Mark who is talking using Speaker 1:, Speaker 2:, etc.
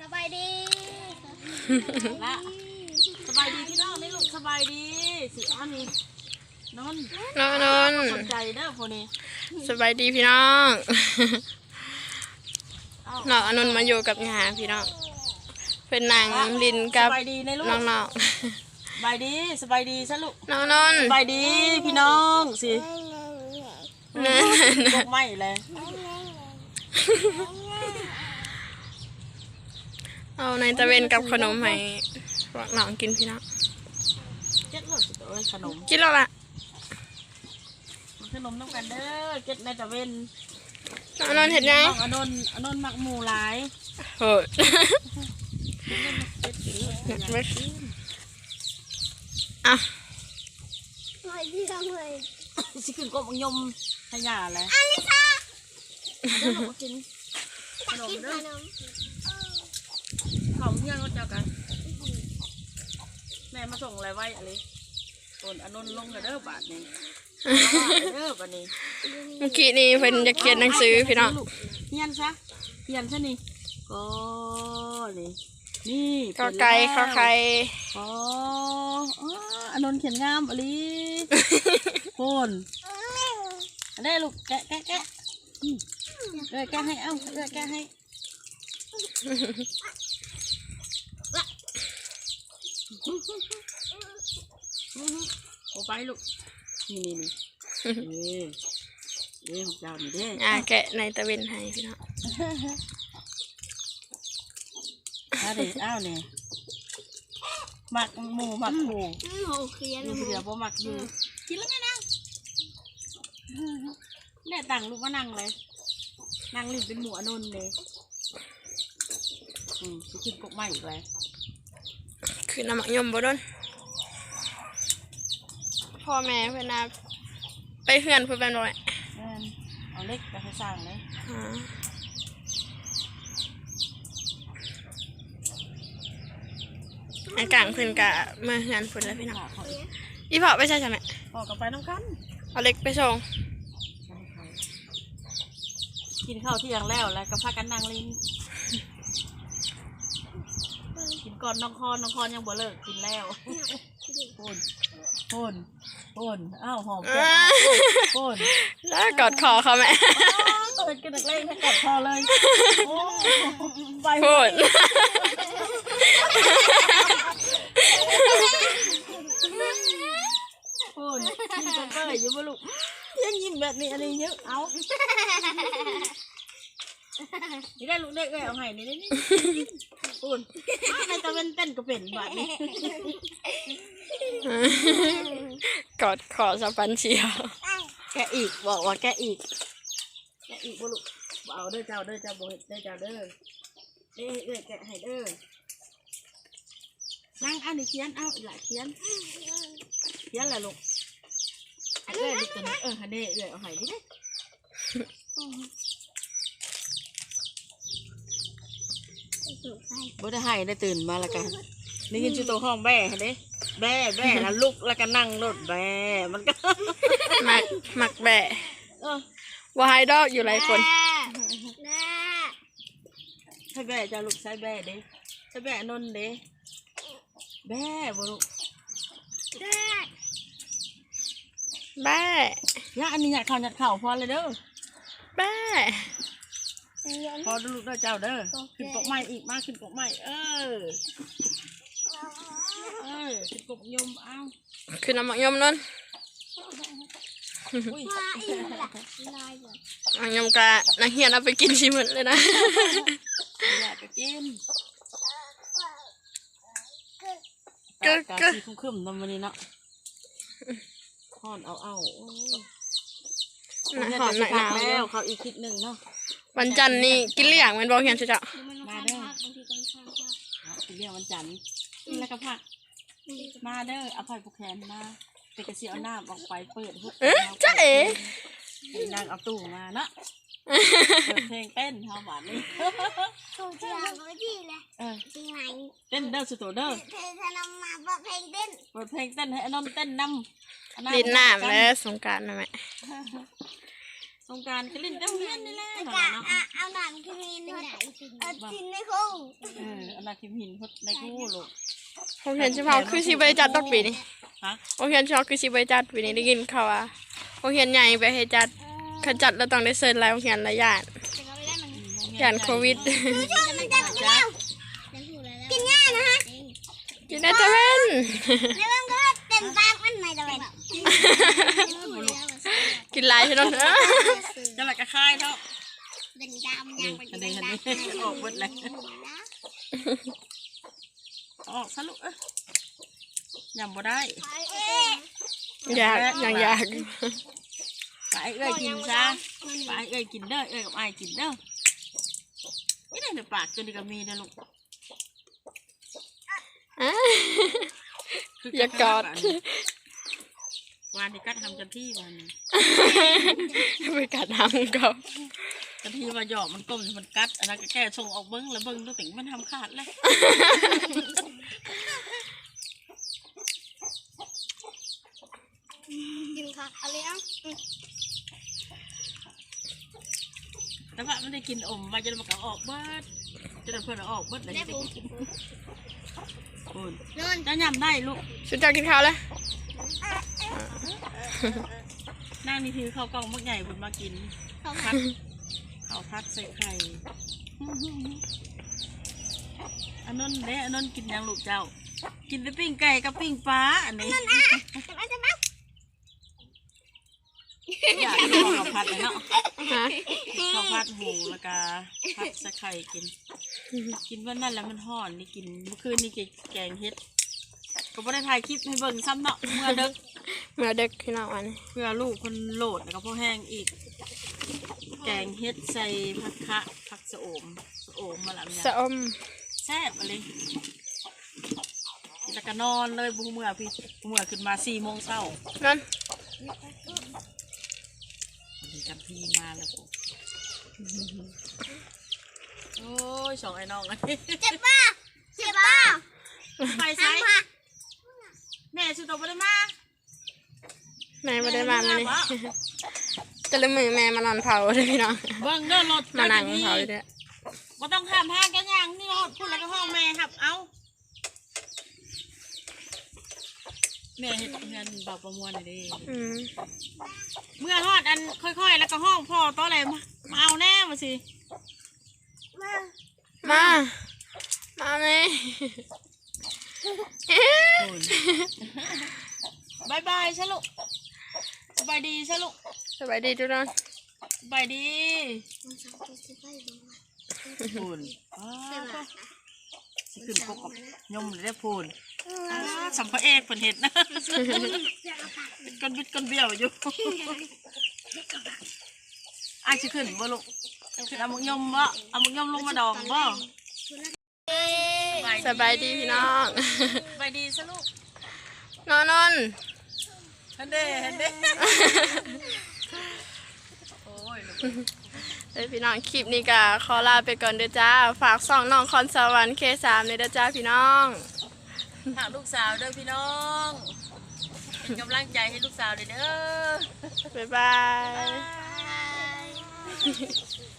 Speaker 1: บายดี
Speaker 2: ละสบายดีพี่น้องนี่ลูกสบายดีสิอันนี้นนสนใจเด้อพวกนี้
Speaker 3: สบายดีพี่น้องน้องอนนท์มาอยู่กับงาพี่น้องเป็นนางลินกับน้อง
Speaker 2: สบายดีสบายดีซะลูก
Speaker 3: น้องนนท์
Speaker 2: สบายดีพี่น้องสิพวกไม่เลย
Speaker 3: เอาในตะเวนกับขนมให้พวกน้องกินพี่น้อง
Speaker 2: เก็ตหลดตัวขนม
Speaker 3: กินแล้วล่ะ
Speaker 2: ขนมน้ำกันเด้อเก็ตในตะเวน
Speaker 3: น้องนนท์เห็นไง
Speaker 2: อนนท์มักหมูหลาย
Speaker 3: โหดอ่ะ
Speaker 2: สิขึ้นก็มังยมขยะเลยเด้อมากินขนมเด้อของเที่ยงก็เจอกันแม่มาส่งอะไรไว้อะไรคนอนนท์ลงกับเด้อบาทนี่เด้อบาทนี่
Speaker 3: เมื่อกี้นี่เพิ่นจะเขียนหนังสือพี่น้อง
Speaker 2: เขียนซะนี่ก็นี่
Speaker 3: ข้อไก่ข้อไข่
Speaker 2: อ๋ออนนท์เขียนงามอะไรคนได้ลูกแกะแกะให้เอ้าแกะให้โอ้ไปลูกนี่ของเจ้านี่เด้
Speaker 3: แกะในตะเวนให้พี่น้อง
Speaker 2: อ้าวเนี่ยหมักหมูหมักหมู
Speaker 1: เขียน
Speaker 2: เดี๋ยวพอหมักอยู่กินแล้วไงนั่งเนี่ยต่างลูกมานั่งเลยนั่งลิ้นเป็นหมูอนนท์เลยจะกินกบใหม่อีกเลย
Speaker 3: คือน้ำมันยมบ่ดนพ่อแม่เพื่อนนะไปเฮือนเพื่อนเป็นบ่อย
Speaker 2: เอาเล็กไปให้สร้างเลย
Speaker 3: อากลางเพื่อนกะเมื่อเฮือนเพื่อนแล้วพี่น้องอีพ่อไปใช่ไหม
Speaker 2: พ่อกับไปน้ำกัน
Speaker 3: เอาเล็กไปส่ง
Speaker 2: กินข้าวเที่ยงแล้วก็พากันนั่งลิ้นกินก่อนน้องคอนยังบ่เลิกกินแล้วพ่นอ้าวหอมพ่น
Speaker 3: แล้วกอดคอเขาแม่
Speaker 2: เป็นกระดักเล่นให้กอดคอเลยไป
Speaker 3: พ่น
Speaker 2: ยิ้มเปื่อยอยู่บ่ลูกยังยิ้มแบบนี้อะไรเยอะเอานี่ได้ลูกเด็กเอาไห้นี่พ่นในตะเวนเต้นก็เป็นแบบนี้
Speaker 3: กอดคอสะปันเชียว
Speaker 2: แกอีกบอกว่าแกอีกบ่ลูกเอาเด้อเจ้าบ่เฮ็ดเด้อเจ้าเด้อแกะให้เด้อนั่งอันนี้เขียนเอาหลายเขียนแหละลูกลูกตัวนี้ฮันเด้เอาให้ดิบ่ได้ให้ได้ตื่นมาแล้วกันนี่กินชุดโตห้องแบ่เด้แบ่แล้วลุกแล้วก็นั่งรถแบ่มันก็
Speaker 3: หมักแบะว่าไฮดอกอยู่หลายคน
Speaker 2: ใช่แบ่จะลูกใช้แบ่เด้ใช้แบ่นนเด้แบ่บ่ลูก
Speaker 3: แบ่
Speaker 2: ย่าอันนี้หยัดเข่าพอเลยเด้อ
Speaker 3: แบ่
Speaker 2: พอดูลูกเด้อเจ้าเด้อขึ้นกบใหม่อีกมาขึ้นกบใหม่ขึ้นกบยมเอา
Speaker 3: คือน้ำมันยมนั่นยมกะนักเรียนเอาไปกินชิมเลยนะ
Speaker 2: อยากไปกินก็คุ้มๆนำวันนี้เนาะห่อนเอา
Speaker 3: หอน
Speaker 2: หนาวแล้วเขาอีกคิดหนึ่งเนาะ
Speaker 3: วันจันทร์นี่กินเลี้ยงมันบอกเฮียนจะ
Speaker 2: มาเด้อกินเลี้ยงวันจันทร์แล้วก็ผักมาเด้อเอาไผ่ผูกแขนมาไปกระเสียเอาน้ำออกไปเปิดหุบ
Speaker 3: จ้าเอ๋
Speaker 2: นางเอาตู้มาเนาะเปิดเพลงเต้นเท่าหวานนี่
Speaker 1: ถูกจังเลยดีเลย
Speaker 2: เต้นเด้อสุดเด้อ
Speaker 1: เธอนำมาเปิดเพลงเต้น
Speaker 2: ให้อนนท์เต้นนำ
Speaker 3: ดินหน้าแล้วสงกรานต์นะแม่
Speaker 2: สงกรารก็เล่นเต้าเฮียนนี่แหละ
Speaker 1: แล้ว
Speaker 2: เนา
Speaker 1: ก็
Speaker 2: ะ
Speaker 1: เอาหนอนคืนกินในคุ้ง
Speaker 2: เอานาคิมหินพดในกู้ลูก
Speaker 3: โรงเรียนเฉพาะคือสิบริจัดดอกปีนี้
Speaker 2: ฮะ
Speaker 3: โรงเรียนเฉพาะคือสิบริจัดปีนี้ได้ยินเขาว่าโรงเรียนใหญ่ไปให้จัดเขาจัดแล้วต้องได้เซิร์นหลายโรงเรียนหลายอย่างอย่างโควิด
Speaker 1: ช่วงมันจะกินแล้วกินง่ายนะฮะ
Speaker 3: กินได้จะเป็น
Speaker 1: ในเรื่องก็เต็มปากมันไม่ได้
Speaker 3: กินหลายใช่ไหม
Speaker 2: จะหลักกระคายเท่า
Speaker 1: เป็นดำ
Speaker 2: นี่
Speaker 1: ยัง
Speaker 2: อันนี้ออกหมดเลยออกซะลูกยำบ่ได้
Speaker 3: อยากยังอยาก
Speaker 2: ไปเอ้ยกินซะไปเอ้ยกินเด้อเอ้ยกับไอ้กินเด้อนี่ในปากจนดีก็มีนะลูก
Speaker 3: อย่ากอด
Speaker 2: วานที่กัดทำจันที่วันนี้
Speaker 3: ไปกัดทำเขา
Speaker 2: จันที่มาหยอกมันก้มมันกัดอันนั้นก็แก้ส่งออกเบิ้งแล้วเบิ้งตัวติ๋งมันทำขาดเลย
Speaker 1: กินผักอะไรอ่ะ
Speaker 2: แต่ว่ามันได้กินอมมาจนมันก็ออกเบิดจนเพื่อนออกเบิดเลยได้กินคุณ
Speaker 1: นอน
Speaker 2: จะยำได้ลูก
Speaker 3: ชุดเจ้ากินข้าวแล้ว
Speaker 2: นั่งนี่ถือข้าวกล่องมักใหญ่คุณมากินข้าวพัดข้าวพัดใส่ไข่อันนั้นเด้อันนั้นกินยังลูกเจ้า กินแต่ปิ้งไก่กับปิ้งปลาอันนี้อยากกินข้าวผัดเลยเนาะ
Speaker 3: ฮะ
Speaker 2: ข้าวผัดหมูแล้วก็ผัดใส่ไข่กิน กินวันนั้นแล้วมันห่อนนี่กินเมื่อคืนนี่กินแกงเฮ็ดก็ไม่ได้ถ่ายคลิปให้เบิ่งซ้ำเนาะเมื่อเด็ก
Speaker 3: เมื่อเด็กพี่น้องวันนี้
Speaker 2: เพื่อลูกคนโหลดแล้วก็พ่อแห้งอีก แกงเฮ็ดใส่ผักคะผักสะโอมมาหลัง
Speaker 3: สะอม
Speaker 2: แซ่บอะไรแล้วก็นอนเลยบุเมื่อพี่เมื่อขึ้นมา4 โมงเช้า
Speaker 3: นั่น
Speaker 2: จำพี่มาแล้วกูโอ้ยสองไอ้น้องไอ้
Speaker 1: เจ็บป่ะเจ็บป่ะ
Speaker 2: ไปไซแม่สุดโต่งไปได้มา
Speaker 3: แม่ไม่ได้มาเลยจะเลยมือแม่มานอนเผาเลยพี่น้อง
Speaker 2: เบิ่งเด้อรถ
Speaker 3: มานั่งเผาเลย
Speaker 2: บ่ต้องข้ามห้างกันยังนี่รถพูดแล้วก็ห้องแม่ครับเอาแม่เห็นเงินเบาประมวลหน่อยดิเมื่อฮอดอันค่อยๆแล้วก็ห้องพ่อตัวอะไรมาเอาแน่มาสิ
Speaker 3: มาเลย
Speaker 2: บายบายชะลูกสบายดีชะลูก
Speaker 3: สบายดีทุกท่าน
Speaker 2: สบายดีพูนสิขึ้นกบยมเลยได้พูนสัมภเอกเพิ่นเห็ดนะก้นบิดก้นเบี้ยวอยู่อ้ายสิขึ้นบ่ลูกขึ้นเอามุกยมบ่เอามุกยมลงมาดองบ่
Speaker 3: สบายดีพี่น้อง
Speaker 2: สบายดีซะลูก
Speaker 3: นอน
Speaker 2: เห็นเด้โอ้ยลูก
Speaker 3: เฮ้ยพี่น้องคลิปนี้ก็ขอลาไปก่อนเด้อจ้าฝากส่องน้องคอนสวรรค์K3เลยเด้อจ้าพี่น้อง
Speaker 2: ฝากลูกสาวเด้อพี่น้องเป็นกำลังใจให้ลูกสาวเด้อ
Speaker 3: บ๊ายบาย
Speaker 2: บาย